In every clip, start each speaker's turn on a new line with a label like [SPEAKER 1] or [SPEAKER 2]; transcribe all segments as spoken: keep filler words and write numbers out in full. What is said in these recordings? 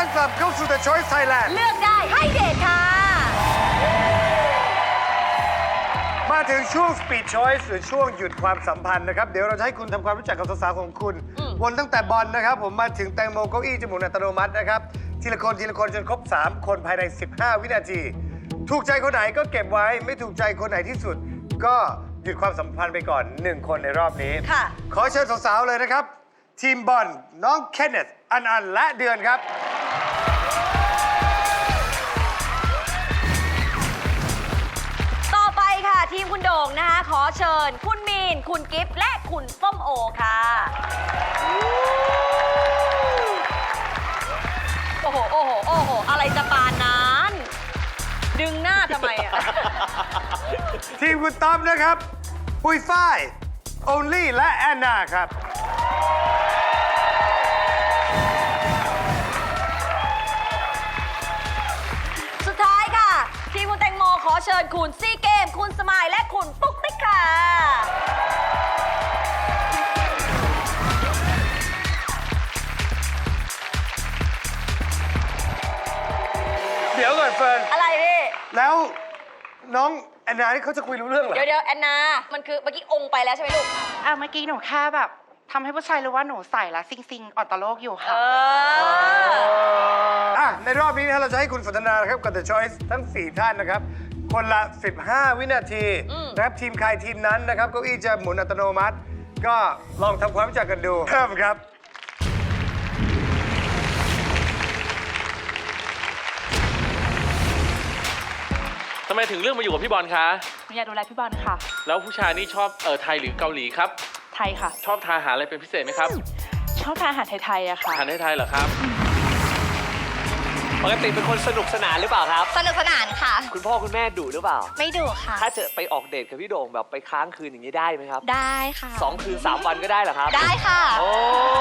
[SPEAKER 1] อนกลับเข้าสู่ The Choice Thailand
[SPEAKER 2] เลือกได้ให้เดทค่ะ
[SPEAKER 1] มาถึงช่วง Speed Choice หรือช่วงหยุดความสัมพันธ์นะครับ เดี๋ยวเราจะให้คุณทำความรู้จักกับสาวๆของคุณ วนตั้งแต่บอลนะครับ ผมมาถึงแตงโมเก้าอี้จมูกอัตโนมัตินะครับ ทีละคนทีละคนจนครบ สาม คนภายใน สิบห้า วินาที ถูกใจคนไหนก็เก็บไว้ ไม่ถูกใจคนไหนที่สุด ก็หยุดความสัมพันธ์ไปก่อน หนึ่ง คนในรอบนี้
[SPEAKER 2] ค่ะ
[SPEAKER 1] ขอเชิญสาวๆเลยนะครับ ทีมบอลน้องเคนเนธอันอันและเดือนครับ
[SPEAKER 2] ต่อไปค่ะ ทีมคุณโด่งนะคะ ขอเชิญคุณมีน คุณกิฟต์และคุณส้มโอค่ะ โอ้โห โอ้โห โอ้โห อะไรจะปานนั้น ดึงหน้าทำไมอ่ะ
[SPEAKER 1] ทีมคุณต้อมนะครับ ปุยฝ้ายโอลลี่และแอนนาครับ
[SPEAKER 2] สุดท้ายค่ะ ทีมคุณแตงโมขอเชิญคุณซีเกม คุณสมายและคุณปุ๊กติ๊กค่ะ
[SPEAKER 1] เดี๋ยวก่อนเฟิร์น
[SPEAKER 2] อะไรพี่
[SPEAKER 1] แล้วน้องแอนนานี่เขาจะคุยรู้เรื่องเหรอ
[SPEAKER 2] เดี๋ยวเดี๋ยวแอนนา มันคือเมื่อกี้องค์ไปแล้วใช่ไหมลูก
[SPEAKER 3] อ่ะเมื่อกี้หนูแค่แบบทำให้ผู้ชายรู้ว่าหนูใส่และซิงซิงอ่อนต่อโลกอยู่
[SPEAKER 2] เอ
[SPEAKER 3] ค่ะ
[SPEAKER 2] อ
[SPEAKER 1] อ่ะในรอบนี้นะเราจะให้คุณสนทนานะครับกับ The Choice ทั้ง สี่ ท่านนะครับ คนละ สิบห้า วินาที
[SPEAKER 2] อืม
[SPEAKER 1] นะครับทีมใครทีมนั้นนะครับเก้าอี้จะหมุนอัตโนมัติ ก็ลองทำความรู้จักกันดูเริ่มครับ
[SPEAKER 4] ทำไมถึงเลือกมาอยู่กับพี่บอลคะ
[SPEAKER 3] หนูอยากดูแลพี่บอลค่ะ
[SPEAKER 4] แล้วผู้ชายนี่ชอบเออไทยหรือเกาหลีครับ
[SPEAKER 3] ไทยค่ะ
[SPEAKER 4] ชอบทานอาหารอะไรเป็นพิเศษไหมครับ
[SPEAKER 3] ชอบทานอาหารไทยๆอะค่ะ
[SPEAKER 4] อาหารไทยๆเหรอครับ
[SPEAKER 5] ปกติเป็นคนสนุกสนานหรือเปล่าครับ
[SPEAKER 2] สนุกสนานค่ะ
[SPEAKER 5] คุณพ่อคุณแม่ดุหรือเปล่า
[SPEAKER 2] ไม่ดุค่ะ
[SPEAKER 5] ถ้าจะไปออกเดทกับพี่โด่งแบบไปค้างคืนอย่างนี้ได้ไหมครับ
[SPEAKER 2] ได้ค่ะ
[SPEAKER 5] สองคืนสามวันก็ได้เหรอครับ
[SPEAKER 2] ได้ค่ะ
[SPEAKER 5] โอ้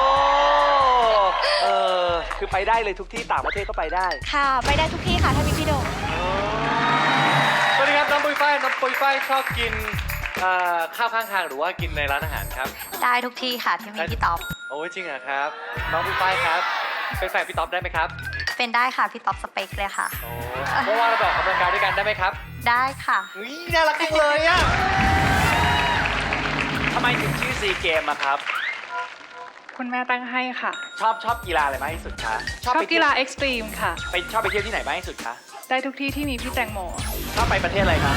[SPEAKER 5] เออคือไปได้เลยทุกที่ต่างประเทศก็ไปได้
[SPEAKER 2] ค่ะไปได้ทุกที่ค่ะ ถ้ามีพี่โด่ง
[SPEAKER 4] สวัสดีครับน้องปุยฝ้ายน้องปุยฝ้ายชอบกินเอ่อข้าวข้างทางหรือว่ากินในร้านอาหารครับ
[SPEAKER 2] ได้ทุกที่ค่ะที่มีพี่ต๊อบ
[SPEAKER 4] โอ้ยจริงเหรอครับ น้องปุยฝ้ายครับ เป็นแฟนพี่ต๊อบได้ไหมครับ
[SPEAKER 2] เป็นได้ค่ะ พี่ต๊อบสเปคเลยค่ะ
[SPEAKER 4] โอ้เพราะว่าเราไปออกกำลังกายด้วยกันได้ไหมครับ
[SPEAKER 2] ได้ค่ะ
[SPEAKER 4] อุ๊ยน่ารักจังเลยอะ
[SPEAKER 5] ทำไมถึงชื่อซีเกมอะครับ
[SPEAKER 3] คุณแม่ตั้งให้ค่ะ
[SPEAKER 5] ชอบชอบกีฬาอะไรมากที่สุดคะ
[SPEAKER 3] ชอบ
[SPEAKER 5] ไป
[SPEAKER 3] กีฬาเอ็กซ์ตรีมค่ะ
[SPEAKER 5] ไปชอบไปเที่ยวที่ไหนมากที่สุดคะ
[SPEAKER 3] ได้ทุกที่ที่มีพี่แตงโม
[SPEAKER 5] ชอบไปประเทศอะไรคะ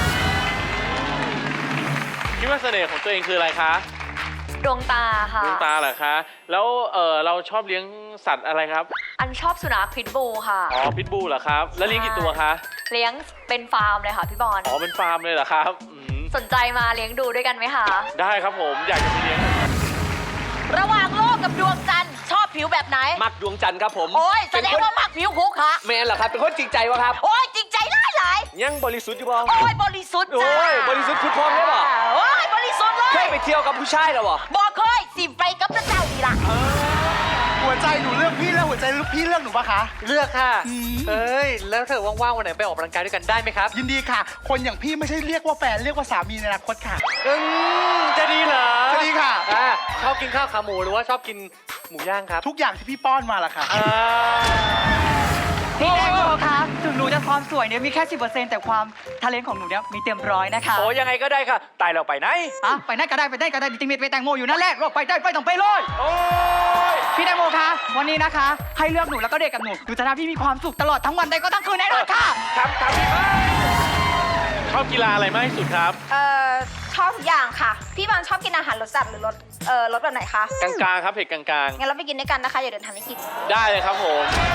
[SPEAKER 4] คิดว่าเสน่ห์ของตัวเองคืออะไรคะ
[SPEAKER 2] ดวงตาค่ะ
[SPEAKER 4] ดวงตาเหรอคะ แล้วเออเราชอบเลี้ยงสัตว์อะไรครับ
[SPEAKER 2] อันชอบสุนัขพิทบูลค่ะ
[SPEAKER 4] อ๋อ พิทบูลเหรอครับ แล้วเลี้ยงกี่ตัวคะ
[SPEAKER 2] เลี้ยงเป็นฟาร์มเลยค่ะพี่บอล
[SPEAKER 4] อ๋อ เป็นฟาร์มเลยเหรอครับอืม
[SPEAKER 2] สนใจมาเลี้ยงดูด้วยกันไหมคะ
[SPEAKER 4] ได้ครับผม อยากจะไปเลี้ยง
[SPEAKER 2] ระหว่างโลกกับดวงจันทร์ชอบผิวแบบไหน
[SPEAKER 5] มักดวงจันทร์ครับผม
[SPEAKER 2] โอ้ยแส
[SPEAKER 5] เป็น
[SPEAKER 2] ดง
[SPEAKER 5] คน
[SPEAKER 2] ว่ามักผิวคุกค่ะ
[SPEAKER 5] แมนเหรอครับ เป็นคนจริงใจวะครับ
[SPEAKER 2] โอ้ยจริงใจร้ายหลาย
[SPEAKER 5] ยังบริสุทธิ์อยู่บ่
[SPEAKER 2] โอ้ยบริสุทธิ์จ้า
[SPEAKER 5] โอ้ยบริสุทธิ์พุทธพรหมได้ป่ะ
[SPEAKER 2] โอ้ยบริสุทธิ์เล
[SPEAKER 5] เค
[SPEAKER 2] ย
[SPEAKER 5] ยไปเที่ยวกับผู้ชายเหรอวะ
[SPEAKER 2] บอกเคยสิไปกับพระเจ้าดีละ
[SPEAKER 6] หัวใจหนูเลือกพี่แล้วหัวใจพี่เลือกหนูปะคะ
[SPEAKER 4] เลือกค่ะ เอ้ย แล้วเธอว่างๆวันไหนไปออกกำลังกายด้วยกันได้ไหมครับ
[SPEAKER 6] ยินดีค่ะ คนอย่างพี่ไม่ใช่เรียกว่าแฟนเรียกว่าสามีในอนาคตค่ะ
[SPEAKER 4] อืมจะดีเหรอ
[SPEAKER 6] จะดีค่ะ
[SPEAKER 4] อ่าชอบกินข้าวขาหมูหรือว่าชอบกินหมูย่างครับ
[SPEAKER 6] ทุกอย่างที่พี่ป้อนมาล่ะค่ะ
[SPEAKER 4] อ่า
[SPEAKER 7] พี่แตงโมคะถึงหนูจะความสวยเนี่ยมีแค่ สิบเปอร์เซ็นต์ แต่ความทาเลนต์ของหนูเนี่ยมีเต็มร้อยนะคะ
[SPEAKER 5] โอ้ยังไงก็ได้ค่ะ ตายเราไปไหน
[SPEAKER 7] อ่ะไปไหนก็ได้ไปไหนก็ได้จริงๆไปแตงโมอยู่นั่นแหละเราไปได้ไปต้องไปเลย
[SPEAKER 5] โอ้ย
[SPEAKER 7] พี่แตงโมคะวันนี้นะคะ ให้เลือกหนูแล้วก็เด็กกับหนูหนูจะทำให้พี่มีความสุขตลอดทั้งวันได้ก็ทั้งคืนแน่นอนค่ะ
[SPEAKER 5] ครับครับพี่บ้า
[SPEAKER 4] ชอบกีฬาอะไรมากที่สุดครับ
[SPEAKER 8] เอ่อชอบทุกอย่างค่ะ พี่บอลชอบกินอาหารรสจัดหรือรสเอ่อรสแบบไหนคะ
[SPEAKER 4] กลางๆครับเผ็ดกลาง
[SPEAKER 8] งั้นเราไปกินด้วยกันนะคะอย่าเดินทางให้กิน
[SPEAKER 4] ๆ ได้เลยครับผม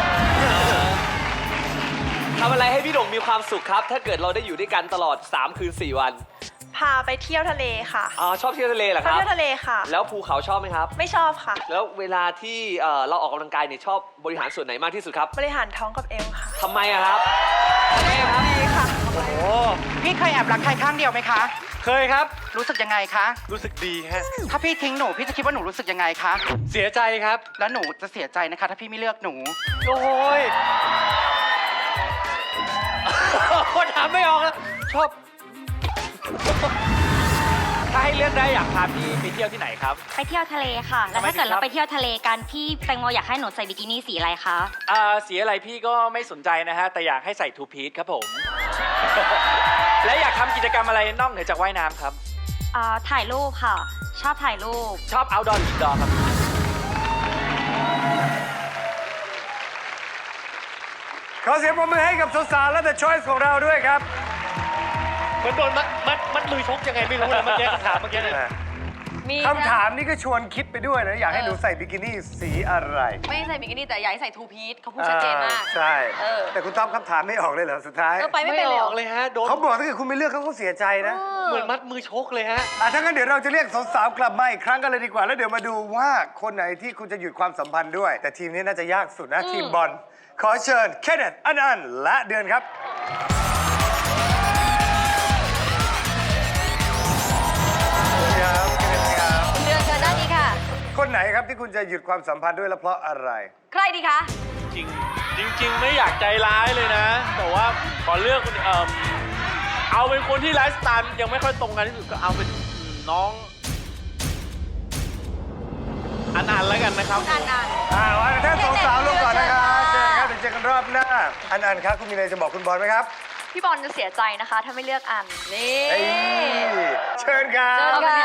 [SPEAKER 5] ทำอะไรให้พี่โด่งมีความสุขครับ ถ้าเกิดเราได้อยู่ด้วยกันตลอด สาม คืน สี่ วัน
[SPEAKER 8] พาไปเที่ยวทะเลค่ะ
[SPEAKER 5] อ๋อชอบเที่ยวทะเลเหรอ
[SPEAKER 8] ช
[SPEAKER 5] ค
[SPEAKER 8] อบ
[SPEAKER 5] รับ
[SPEAKER 8] เที่ยวทะเลค่ะ
[SPEAKER 5] แล้วภูเขาชอบไหมครับ
[SPEAKER 8] ไม่ชอบค่ะ
[SPEAKER 5] แล้วเวลาที่เอ่อเราออกกำลังกายเนี่ยชอบบริหารส่วนไหนมากที่สุดครับ
[SPEAKER 8] บริหารท้องกับเอวค่ะ
[SPEAKER 5] ทำไมอะครับทำไมอะครับ
[SPEAKER 8] ดีค่ะ
[SPEAKER 5] โอ้
[SPEAKER 3] พี่เคยแอบรักใครข้างเดียวไหมคะ
[SPEAKER 4] เคยครับ
[SPEAKER 3] รู้สึกยังไงคะ
[SPEAKER 4] รู้สึกดีฮะ
[SPEAKER 3] ถ้าพี่ทิ้งหนูพี่จะคิดว่าหนูรู้สึกยังไงคะ
[SPEAKER 4] เสียใจครับ
[SPEAKER 3] แล้วหนูจะเสียใจนะคะ ถ้าพี่ไม่เลือกหนู
[SPEAKER 4] โอ้ย คนถามไม่ออกแล้วชอบ
[SPEAKER 5] ถ้าให้เลือกได้อยากพาพี่ไปเที่ยวที่ไหนครับ
[SPEAKER 9] ไปเที่ยวทะเลค่ะ แล้วถ้าเกิด
[SPEAKER 5] ทำไมถึงครับ
[SPEAKER 9] เราไปเที่ยวทะเลกันพี่แตงโมอยากให้หนูใส่บิกินี่สีอะไรคะ
[SPEAKER 5] อ่าสีอะไรพี่ก็ไม่สนใจนะฮะ แต่อยากให้ใส่ทูพีซครับผม และอยากทำกิจกรรมอะไรนอกเหนือจากว่ายน้ำครับ
[SPEAKER 9] อ่าถ่ายรูปค่ะ ชอบถ่ายรูป
[SPEAKER 5] ชอบ outdoor หรือ indoor ครับ
[SPEAKER 1] ขอเสียงปรบมือให้กับสาวๆและ The Choice ของเราด้วยครับ
[SPEAKER 4] เหมือนโดนมัดมัดมัดมือชกยังไงไม่รู้นะเมื่อกี้คำถามเมื่อกี้เนี่ย
[SPEAKER 2] มี
[SPEAKER 1] คำถามนี้ก็ชวนคิดไปด้วยนะ อยากให้หนูใส่บิกินี่สีอะไร
[SPEAKER 2] ไม่ใส่บิกินี่แต่อยากให้ใส่ทูพีซเขาพูดชัดเจนมาก
[SPEAKER 1] ใช่
[SPEAKER 2] เออ
[SPEAKER 1] แต่คุณต้อมคำถามไม่ออกเลยเหรอ สุดท้าย
[SPEAKER 2] เออไปไม่
[SPEAKER 4] ไม่
[SPEAKER 2] เป็น
[SPEAKER 4] อ
[SPEAKER 2] เลยเหร
[SPEAKER 4] อ
[SPEAKER 2] อก
[SPEAKER 4] เลยฮะ โดน
[SPEAKER 1] เขาบอกถ้าเกิดคุณไม่เลือกเขาก็เสียใจนะ
[SPEAKER 4] เหมือนมัดมือชกเลยฮะ
[SPEAKER 1] อ่ะถ้างั้นเดี๋ยวเราจะเรียกสาวๆกลับมาอีกครั้งกันเลยดีกว่า แล้วเดี๋ยวมาดูว่าคนไหนที่คุณจะหยุดความสัมพันธ์ด้วย แต่ทีมนี้น่าจะยากสุดนะ ทีมบอล ขอเชิญเคนเนตอันอันและเดือนครับครับเคนเนตครับ
[SPEAKER 2] เดือนเชิญด้านนี้ค่ะ
[SPEAKER 1] คนไหนครับที่คุณจะหยุดความสัมพันธ์ด้วยและเพราะอะไร
[SPEAKER 2] ใครดีคะ
[SPEAKER 5] จริงจริง ๆ ไม่อยากใจร้ายเลยนะ แต่ว่าขอเลือกคนเอ่อเอาเป็นคนที่ไลฟ์สไตล์ยังไม่ค่อยตรงกันที่สุดก็เอาเป็นน้องอันอันแล้วกันนะครับ
[SPEAKER 2] อันอัน
[SPEAKER 1] อ่าวันท่านสองสาวลงก่อนนะครับ
[SPEAKER 2] เชิ
[SPEAKER 1] เจอ
[SPEAKER 2] ญ
[SPEAKER 1] กันค
[SPEAKER 2] ค่ะ
[SPEAKER 1] รับเดี๋ยวเจอกันรอบหน้า อันอันครับคุณมีอะไรจะบอกคุณบอลไหมครับ
[SPEAKER 9] พี่บอลจะเสียใจนะคะ ถ้าไม่เลือกอัน
[SPEAKER 2] นี่
[SPEAKER 1] เอ้ยเชิญครั
[SPEAKER 2] เชิ
[SPEAKER 1] บ
[SPEAKER 2] ญค่ะ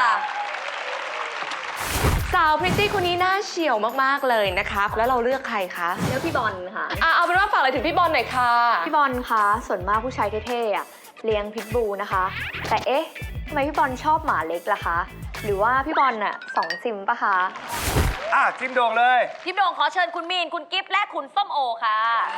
[SPEAKER 10] สาวพริตตี้คนนี้น่าเฉียวมาก ๆ เลยนะครับ แล้วเราเลือกใครคะ
[SPEAKER 2] เลือกพี่บอลค่ะ
[SPEAKER 10] อ่ะเอาเป็นว่าฝากอะไรถึงพี่บอลหน่อยค่ะ
[SPEAKER 9] พี่บอลคะส่วนมากผู้ชายเท่ๆอะเลี้ยงพิทบูนะคะ แต่เอ๊ะทำไมพี่บอลชอบหมาเล็กล่ะคะ หรือว่าพี่บอลน่ะสองซิมปะคะ
[SPEAKER 1] อ่ะทีมโด่งเลย
[SPEAKER 2] ทีมโด่งขอเชิญคุณมีน คุณกิฟต์และคุณส้มโอค่ะ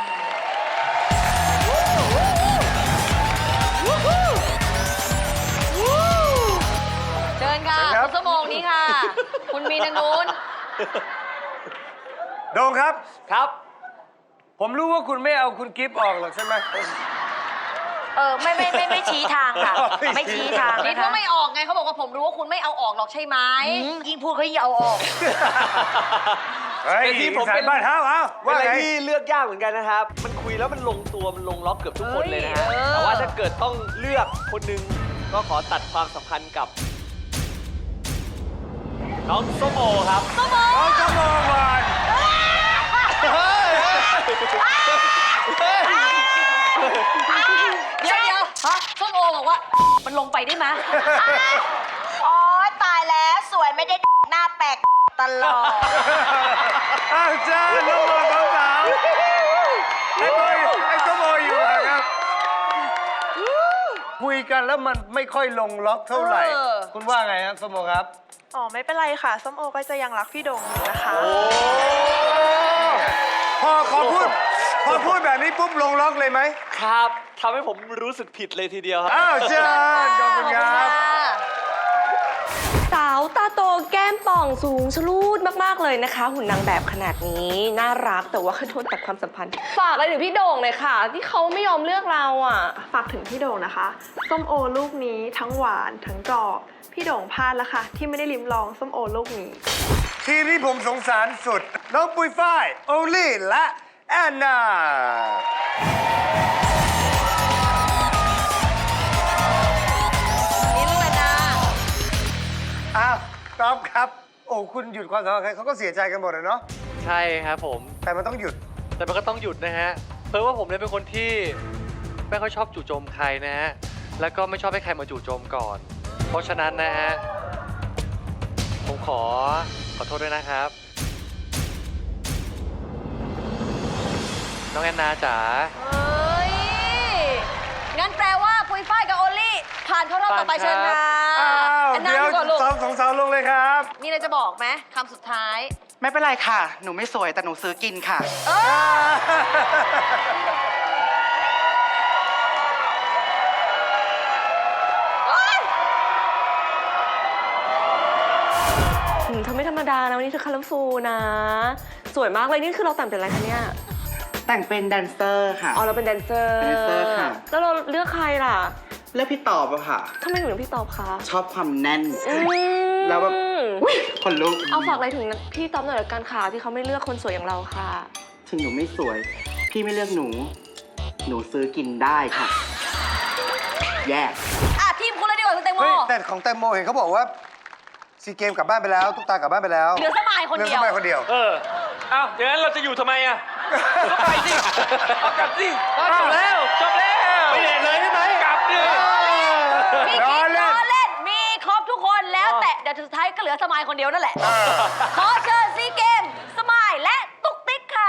[SPEAKER 2] เชิญค่ะ
[SPEAKER 1] เชิญครับ
[SPEAKER 2] คุณส้มโอนี้ค่ะ คุณมีนทางนู้น
[SPEAKER 1] โด่งครับ
[SPEAKER 5] ครับ
[SPEAKER 1] ผมรู้ว่าคุณไม่เอาคุณกิฟต์ออกหรอกใช่ไหม
[SPEAKER 8] เออไม่ไม่ไม่ไม่ชี้ทางค่ะ ไม่ชี้ทาง
[SPEAKER 2] นี่
[SPEAKER 8] นะ
[SPEAKER 2] เขา
[SPEAKER 8] คะ
[SPEAKER 2] ไม่ออกไงเขาบอกว่าผมรู้ว่าคุณไม่เอาออกหรอกใช่ไหม
[SPEAKER 8] ยิ่งพูดเขายิ่งเอาออก
[SPEAKER 1] เฮ้ย
[SPEAKER 5] แต่ที่ผมเป็น
[SPEAKER 1] สายบ้านเท้าเอา
[SPEAKER 5] ว่า
[SPEAKER 1] ว่า
[SPEAKER 5] อะไร
[SPEAKER 1] ไง
[SPEAKER 5] ที่เลือกยากเหมือนกันนะครับ มันคุยแล้วมันลงตัวมันลงล็อกเกือบทุกคนเลยนะฮะ
[SPEAKER 2] เอ้ยเออ
[SPEAKER 5] แต่ว่าถ้าเกิดต้องเลือกคนหนึงก็ขอตัดความสัมพันธ์กับ น้องส้มโอครับ
[SPEAKER 1] น้องจะมองก่อน
[SPEAKER 2] เดี๋ยวเดี๋ยวส้มโอบอกว่า มันลงไปได้ไหม
[SPEAKER 8] อ๋อตายแล้วสวยไม่ได้หน้าแปลกตลอด
[SPEAKER 1] อ้าวเจ้าน้องบอลสองสาวไอ้บอยไอ้ส้มโออยู่อะครับ คุยกันแล้วมันไม่ค่อยลงล็อกเท่าไหร่
[SPEAKER 2] เออ
[SPEAKER 1] คุณว่าไงครับส้มโอครับ
[SPEAKER 3] อ๋อไม่เป็นไรค่ะ ส้มโอก็จะยังรักพี่โด่งอยู่นะคะ
[SPEAKER 1] พอพอพูดพอพูดแบบนี้ปุ๊บลงล็อกเลยไหม
[SPEAKER 5] ครับทำให้ผมรู้สึกผิดเลยทีเดียวครับ
[SPEAKER 1] อ้าวเชิญขอบคุณครับ
[SPEAKER 10] สาวตาโตแก้มป่องสูงชะลูดมาก ๆ เลยนะคะ หุ่นนางแบบขนาดนี้ น่ารักแต่ว่าโดนตัดความสัมพันธ์ ฝากอะไรถึงพี่โด่งเลยค่ะ ที่เขาไม่ยอมเลือกเราอ่ะ
[SPEAKER 3] ฝากถึงพี่โด่งนะคะ ส้มโอลูกนี้ทั้งหวานทั้งกรอบ พี่โด่งพลาดแล้วค่ะ ที่ไม่ได้ลิ้มลองส้มโอลูกนี้
[SPEAKER 1] ทีมที่ผมสงสารสุด น้องปุยฝ้ายโอลี่และแอนนา
[SPEAKER 2] นี่ลูกแอนนา
[SPEAKER 1] อ้าวต๊อบครับ โอ้คุณหยุดความสัมพันธ์ใครเขาก็เสียใจกันหมดเลยเนาะ
[SPEAKER 4] ใช่ครับผม
[SPEAKER 1] แต่มันต้องหยุด
[SPEAKER 4] แต่มันก็ต้องหยุดนะฮะ เพราะว่าผมเนี่ยเป็นคนที่ไม่ค่อยชอบจู่โจมใครนะฮะ แล้วก็ไม่ชอบให้ใครมาจู่โจมก่อน เพราะฉะนั้นนะฮะ ผมขอขอโทษด้วยนะครับ น้องแอนนาจ๋า
[SPEAKER 2] เฮ้ย งั้นแปลว่าปุยฝ้ายกับโอลลี่ ผ่านเข้ารอบต่อไป
[SPEAKER 4] ผ่านครับ
[SPEAKER 2] เชิญค่ะ
[SPEAKER 1] อ้าว
[SPEAKER 2] แอนนา
[SPEAKER 1] เดี๋ยว
[SPEAKER 2] ดูก่อนลูก
[SPEAKER 1] สองสองสาวลงเลยครับ
[SPEAKER 2] มีอะไรจะบอกไหมคำสุดท้าย
[SPEAKER 3] ไม่เป็นไรค่ะ หนูไม่สวยแต่หนูซื้อกินค่ะ
[SPEAKER 2] เออ
[SPEAKER 10] อืมเธอไม่ธรรมดานะวันนี้เธอคัลเลอร์ฟูลนะ สวยมากเลยนี่คือเราแต่งเป็นอะไรคะเนี่ย
[SPEAKER 7] แต่งเป็นแดนเซอร์ค่ะ
[SPEAKER 10] อ๋อเราเป็นแดนเซอร์
[SPEAKER 7] แดนเซอร์ค่ะ
[SPEAKER 10] แล้วเราเลือกใครล่ะ
[SPEAKER 7] เลือกพี่ตอบอะค่ะ
[SPEAKER 10] ทำไมถึงเลือกพี่ตอบคะ
[SPEAKER 7] ชอบความแน่น
[SPEAKER 10] อืม
[SPEAKER 7] แล้วแบบอุ๊ยขนลุก
[SPEAKER 10] เอาฝากอะไรถึงพี่ตอบหน่อยละกันค่ะที่เขาไม่เลือกคนสวยอย่างเราค่ะ
[SPEAKER 7] ถึงหนูไม่สวย พี่ไม่เลือกหนู หนูซื้อกินได้ค่ะ แยก
[SPEAKER 2] อ่ะ ทีมคุณเลยดีกว่าคุณแตงงโม
[SPEAKER 1] เฮ้ยแต่ของแตงโมเห็นเขาบอกว่าซีเกมกลับบ้านไปแล้วตุ๊กตากลับบ้านไปแล้ว
[SPEAKER 2] เหลือสมายคน
[SPEAKER 1] เหลือ
[SPEAKER 2] เดี
[SPEAKER 1] ส
[SPEAKER 2] ยว
[SPEAKER 1] มัยคนเดียว
[SPEAKER 5] เอออ้าวอย่างนั้นเราจะอยู่ทำไมอ่ะก็ไปสิเอากลับสิจบแล้วจบแล้วไปเด็ดเลยใช่ไหมกลับดิ
[SPEAKER 2] พี่
[SPEAKER 1] ล้
[SPEAKER 2] กิ๊
[SPEAKER 1] อก เล่น
[SPEAKER 2] ล้อเล่น มีครบทุกคนแล้วแต่เดี๋ยวสุดท้ายก็เหลือสมายคนเดียวนั่นแหละ ขอเชิญซีเกม สมายและตุ๊กติ๊กค่ะ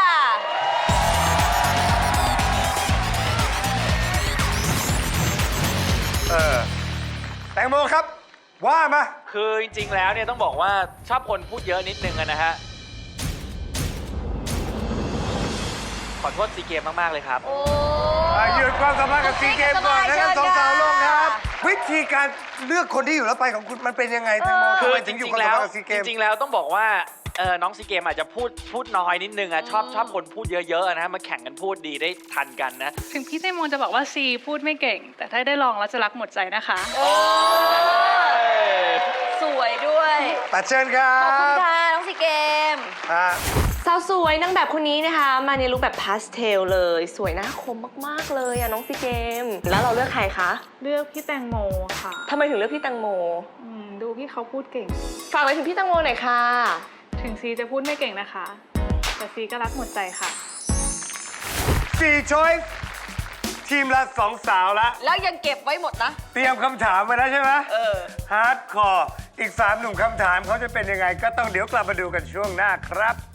[SPEAKER 1] เออแตงโมครับ ว่ามา
[SPEAKER 5] คือจริงๆแล้วเนี่ยต้องบอกว่าชอบคนพูดเยอะนิดนึงอะนะฮะขอโทษซีเกมมากๆเลยครับ
[SPEAKER 2] โอ้
[SPEAKER 1] อ่ะหยุดความสัมพันธ์กับซีเกมก่อนนะทั้งสองสาวลงครับ
[SPEAKER 2] เชิญค่ะ
[SPEAKER 1] วิธีการเลือกคนที่อยู่แล้วไปของคุณมันเป็นยังไงแตงโม
[SPEAKER 5] คื
[SPEAKER 1] ทำ
[SPEAKER 5] อ
[SPEAKER 1] ไม
[SPEAKER 5] จ
[SPEAKER 1] ถึงอยู่
[SPEAKER 5] ริ
[SPEAKER 1] ความ
[SPEAKER 5] งๆ
[SPEAKER 1] สัม
[SPEAKER 5] แล้ว
[SPEAKER 1] พันธ์กับซีเกม
[SPEAKER 5] จริงๆแล้วต้องบอกว่าเออน้องซีเกมอาจจะพูดพูดน้อยนิดนึงอะชอบชอบคนพูดเยอะๆนะฮะมาแข่งกันพูดดีได้ทันกันนะ
[SPEAKER 11] ถึงพี่แตงโมจะบอกว่าซีพูดไม่เก่ง แต่ถ้าได้ลองแล้วจะรักหมดใจนะคะ
[SPEAKER 2] โอ้สวยด้วย
[SPEAKER 1] ตัดเชิญครั
[SPEAKER 2] ขอบคุณ
[SPEAKER 1] บ
[SPEAKER 2] ค่ะ น้องซีเกม
[SPEAKER 1] อ่ะ
[SPEAKER 10] สาวสวยนางแบบคนนี้นะคะ มาในลุคแบบพาสเทลเลย สวยหน้าคมมากๆเลยอะน้องซีเกม แล้วเราเลือกใครคะ
[SPEAKER 11] เลือกพี่แตงโมค่ะ
[SPEAKER 10] ทำไมถึงเลือกพี่แตงโม
[SPEAKER 11] อืมดูพี่เขาพูดเก่ง
[SPEAKER 10] ฝากอะไรถึงพี่แตงโมหน่อยค่ะ
[SPEAKER 11] ถึงซีจะพูดไม่เก่งนะคะ แต่ซีก็รักหมดใจค่ะ
[SPEAKER 1] สี่ช้อยส์ทีมละสองสาวละ
[SPEAKER 2] แล้วยังเก็บไว้หมดนะ
[SPEAKER 1] เตรียมคำถามไว้แล้วใช่ไหม
[SPEAKER 2] เออ
[SPEAKER 1] ฮาร์ดคอร์อีกสามหนุ่มคำถามเขาจะเป็นยังไง ก็ต้องเดี๋ยวกลับมาดูกันช่วงหน้าครับ